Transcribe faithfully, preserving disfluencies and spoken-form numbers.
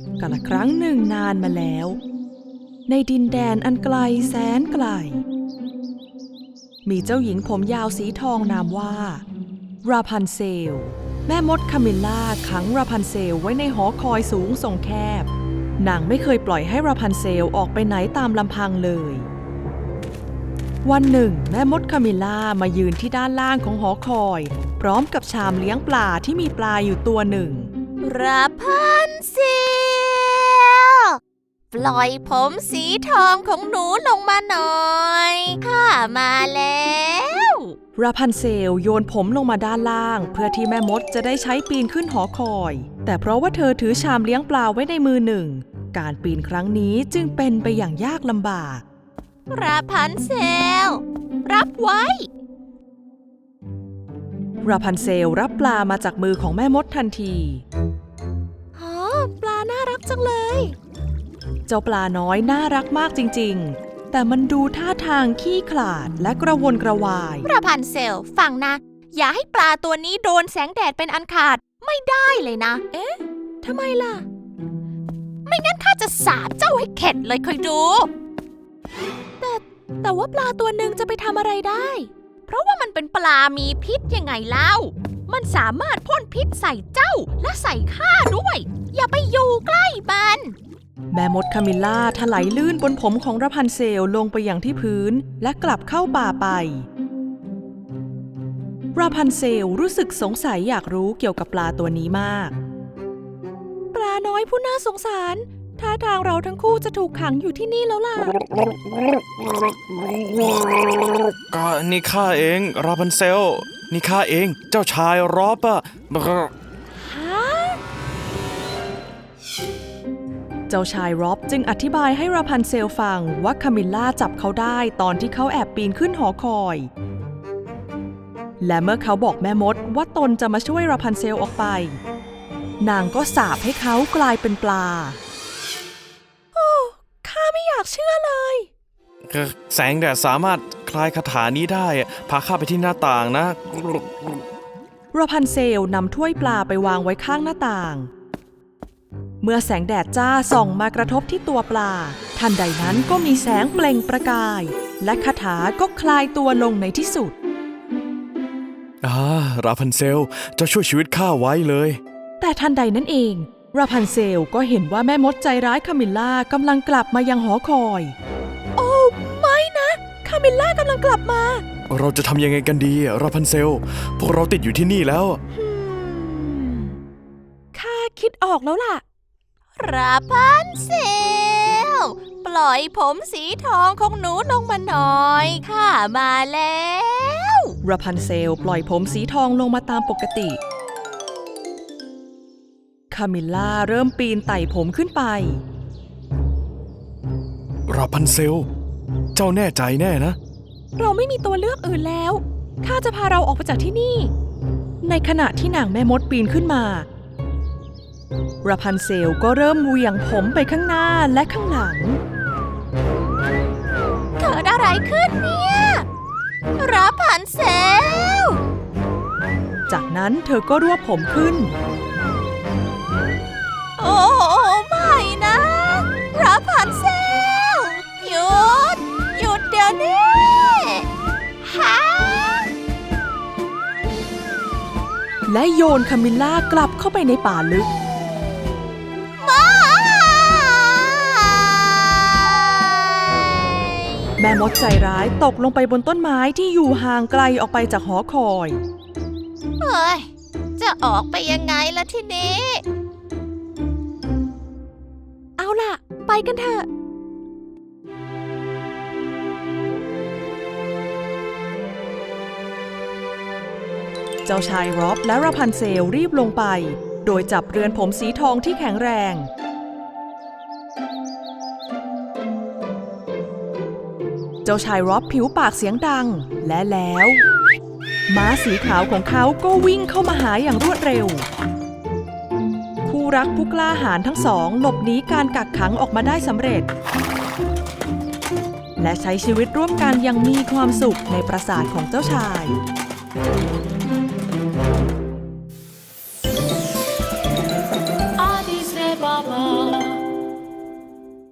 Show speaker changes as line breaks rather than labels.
กาลครั้งหนึ่งนานมาแล้วในดินแดนอันไกลแสนไกลมีเจ้าหญิงผมยาวสีทองนามว่าราพันเซลแม่มดคามิลล่าขังราพันเซลไว้ในหอคอยสูงทรงแคบนางไม่เคยปล่อยให้ราพันเซลออกไปไหนตามลำพังเลยวันหนึ่งแม่มดคามิลล่ามายืนที่ด้านล่างของหอคอยพร้อมกับชามเลี้ยงปลาที่มีปลาอยู่ตัวหนึ่ง
ราพันเซลปล่อยผมสีทองของหนูลงมาหน่อยข้ามาแล้ว
ราพันเซลโยนผมลงมาด้านล่างเพื่อที่แม่มดจะได้ใช้ปีนขึ้นหอคอยแต่เพราะว่าเธอถือชามเลี้ยงปลาไว้ในมือหนึ่งการปีนครั้งนี้จึงเป็นไปอย่างยากลำบาก
ราพันเซลรับไว้
ราพันเซลรับปลามาจากมือของแม่มดทันที
อ๋อปลาน่ารักจังเลย
เจ้าปลาน้อยน่ารักมากจริงๆแต่มันดูท่าทางขี้ขลาดและกระวนกระวาย
ราพันเซลฟังนะอย่าให้ปลาตัวนี้โดนแสงแดดเป็นอันขาดไม่ได้เลยนะเอ๊ะทำไมล่ะไม่งั้นข้าจะสาปเจ้าให้เข็ดเลยคอยดูแต่แต่ว่าปลาตัวหนึ่งจะไปทำอะไรได้เพราะว่ามันเป็นปลามีพิษยังไงเล่ามันสามารถพ่นพิษใส่เจ้าและใส่ข้าด้วยอย่าไปอยู่ใกล้มัน
แม่มดคามิลล่าถลายลื่นบนผมของราพันเซลลงไปอย่างที่พื้นและกลับเข้าป่าไปราพันเซลรู้สึกสงสัยอยากรู้เกี่ยวกับปลาตัวนี้มากปลาน้อยผู้น่าสงสารท่าทางเราทั้งคู่จะถูกขังอยู่ที่นี่แล้วล่ะ
ก็นี่ข้าเองราพันเซลนี่ข้าเองเจ้าชายรอบอะ
ฮะเจ้าชายร็อบจึงอธิบายให้ราพันเซลฟังว่าคามิลล่าจับเขาได้ตอนที่เขาแอบปีนขึ้นหอคอยและเมื่อเขาบอกแม่มดว่าตนจะมาช่วยราพันเซลออกไปนางก็สาปให้เขากลายเป็นปลาโอ้ข้าไม่อยากเชื่อเลย
แสงแดดสามารถคลายคาถานี้ได้พาข้าไปที่หน้าต่างนะ
ราพันเซลนำถ้วยปลาไปวางไว้ข้างหน้าต่างเมื่อแสงแดดจ้าส่องมากระทบที่ตัวปลาทันใดนั้นก็มีแสงเปล่งประกายและคาถาก็คลายตัวลงในที่สุด
อ่าราพันเซลเจ้าช่วยชีวิตข้าไว้เลย
แต่ทันใดนั้นเองราพันเซลก็เห็นว่าแม่มดใจร้ายคามิลล่ากำลังกลับมายังหอคอยโอ้ไม่นะคามิลล่ากำลังกลับมา
เราจะทำยังไงกันดีราพันเซลพวกเราติดอยู่ที่นี่แล้ว
ข้าคิดออกแล้วล่ะ
ราพันเซลปล่อยผมสีทองของหนูลงมาหน่อยข้ามาแล้ว
ราพันเซลปล่อยผมสีทองลงมาตามปกติคามิลล่าเริ่มปีนไต่ผมขึ้นไป
ราพันเซลเจ้าแน่ใจแน่นะ
เราไม่มีตัวเลือกอื่นแล้วข้าจะพาเราออกไปจากที่นี่ในขณะที่นางแม่มดปีนขึ้นมาราพันเซลก็เริ่มเหวี่ยงผมไปข้างหน้าและข้างหลัง
เกิดอะไรขึ้นเนี่ยราพันเซล
จากนั้นเธอก็รวบผมขึ้น
โอ้ไม่นะราพันเซลหยุดหยุดเดี๋ยวนี้ฮะ
และโยนคามิลล่ากลับเข้าไปในป่าลึกแม่มดใจร้ายตกลงไปบนต้นไม้ที่อยู่ห่างไกลออกไปจากหอคอย
เฮ้ยจะออกไปยังไงล่ะทีนี้
เอาล่ะไปกันเถอะเจ้าชายร็อบและราพันเซลรีบลงไปโดยจับเรือนผมสีทองที่แข็งแรงเจ้าชายร็อบผิวปากเสียงดังและแล้วม้าสีขาวของเขาก็วิ่งเข้ามาหาอย่างรวดเร็วคู่รักผู้กล้าหาญทั้งสองหลบหนีการกักขังออกมาได้สำเร็จและใช้ชีวิตร่วมกันอย่างมีความสุขในปราสาทของเจ้าชาย